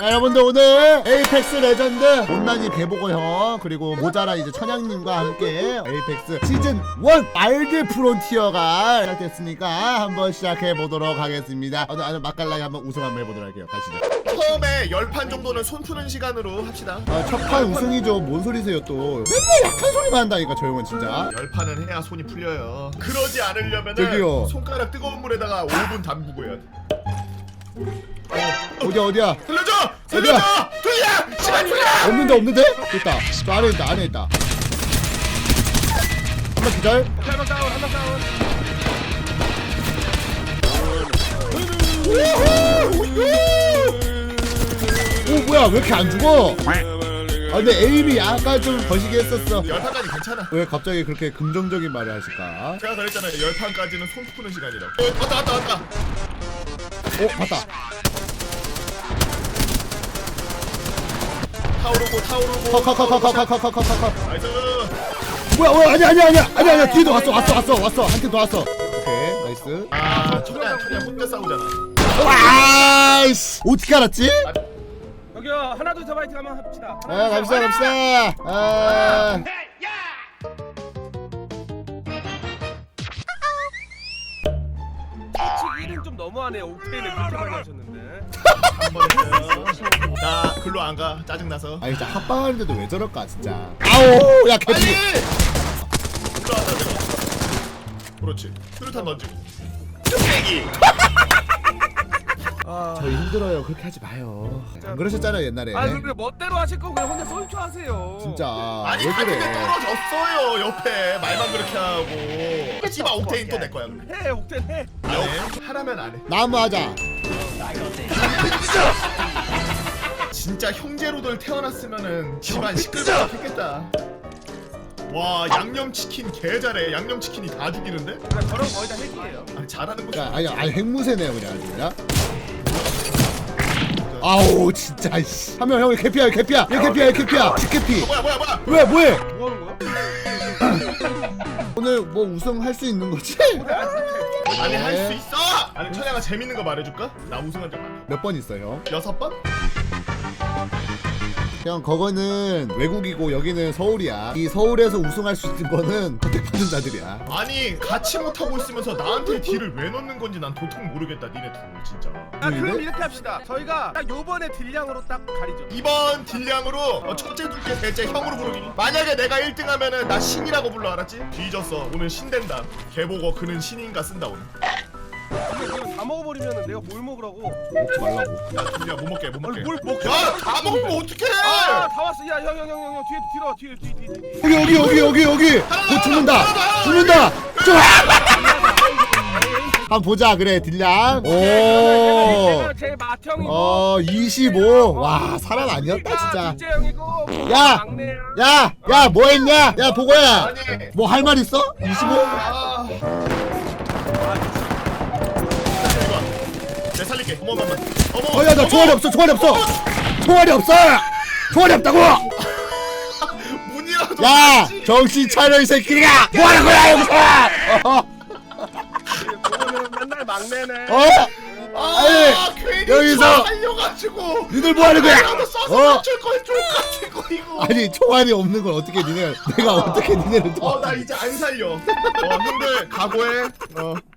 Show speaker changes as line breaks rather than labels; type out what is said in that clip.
여러분들 오늘 에이펙스 레전드 못난이 개보고 형 그리고 모자라 이제 천양님과 함께 에이펙스 시즌 1 알드 프론티어가 시작됐으니까 한번 시작해 보도록 하겠습니다. 오늘 아주 맛깔나게 한번 우승 한번 해보도록 할게요. 가시죠.
처음에 10판 정도는 손 푸는 시간으로 합시다.
첫판 우승이죠. 뭔 소리세요 또. 맨날 약한 소리만 한다니까 저 형은 진짜.
10판은 해야 손이 풀려요. 그러지 않으려면
저기요.
손가락 뜨거운 물에다가 5분 담그고 해야 돼.
어디야?
들려줘! 들려! 시간 풀려!
없는데? 됐다. 저 안에 있다. 한번 기다려.
한명 다운, 한명 다운.
오 뭐야 왜 이렇게 안 죽어? 아 근데 에임이 약간 좀 거시기 했었어.
10판까지 괜찮아.
왜 갑자기 그렇게 긍정적인 말을 하실까?
제가 그랬잖아요. 10판까지는 손 푸는 시간이라고. 왔다.
봤다.
타오르고.
컷.
나이스.
뭐야 아니야 뒤에도 왔어 한 팀 더 왔어. 오케이 나이스.
천양 혼자 싸우잖아.
와이씨 어떻게 알았지?
여기요, 하나 둘 셋 파이팅 한번 합시다.
갑시다.
솔직히 1은 좀 너무하네요. 옥테인을 그렇게 많이 하셨는데.
한번 했어요. 나 글로 안 가. 짜증나서.
아니 진짜 합방하는데도 왜 저럴까 진짜. 아오 야 개피.
올라왔다 내가. 그렇지. 수류탄 던지고. 뚝배기.
저희 힘들어요. 그렇게 하지 마요. 안 그러셨잖아요 옛날에.
아, 그래 멋대로 하실 거고 그냥 혼자 솔초 하세요.
진짜
아니
왜
같은데
그래?
떨어졌어요 옆에. 말만 그렇게 하고. 씨발 옥테인 또 내 거야.
해, 옥테인 해.
안 해? 하라면 안 해.
나무 하자.
진짜 형제로들 태어났으면은 집안 시끌벅적 했겠다. 와 양념치킨 개 잘해. 양념치킨이 다 죽이는데?
그냥 저런 거의 다 핵이에요.
아니 잘하는 거지.
야 아니 핵무새네요 그냥 아주 그냥. 아우 진짜 씨. 하면 형이 개피야. 얘 개피야. 직개피.
뭐야
뭐해?
뭐 하는 거야?
오늘 뭐 우승할 수 있는 거지?
아니 할 수 있어. 아니 천양아 재밌는 거 말해줄까? 나 우승한 적 많아.
몇 번 있어요?
6번?
그냥 그거는 외국이고 여기는 서울이야. 이 서울에서 우승할 수 있는 거는 선택받은 자들이야.
아니 같이 못하고 있으면서 나한테 딜을 왜 넣는 건지 난 도통 모르겠다 니네 둘 진짜.
그럼 이렇게 합시다. 저희가 딱 요번에 딜량으로 딱 가리죠.
이번 딜량으로 첫째 둘째 셋째 형으로 부르기. 만약에 내가 1등 하면은 나 신이라고 불러 알았지? 뒤졌어. 오늘 신 된다. 걔보고 그는 신인가 쓴다 오늘.
이거 다 먹어버리면 내가 뭘 먹으라고?
먹지 말라고.
야 둘이야 못 먹게.
아니, 뭘 먹게?
야다 먹으면 어떡해.
아, 다 왔어. 야, 형, 뒤에.
여기. 곧 죽는다. 좀. 한번 보자 그래 딜량. 오.
내가 제일 맏형이고.
25. 와 사람 아니었다 진짜.
둘째 형이고.
야!
막내야.
야 뭐 했냐? 야 보고야.
아니.
뭐 할 말 있어? 25?
아. 내 살릴게. 어머.
야 나 총알이 없어. 총알이 없다고.
문이라도.
야 정신 차려 이 새끼가. 뭐 하는 거야 여기서?
그거는 맨날 막내네.
괜히
여기서
살려가지고.
니들 뭐 하는 거야?
나도 써서 맞출 걸 족같은 거 이거.
아니 총알이 없는 걸 어떻게 내가 어떻게 니네를 더?
나 이제 안 살려. 형들 각오해.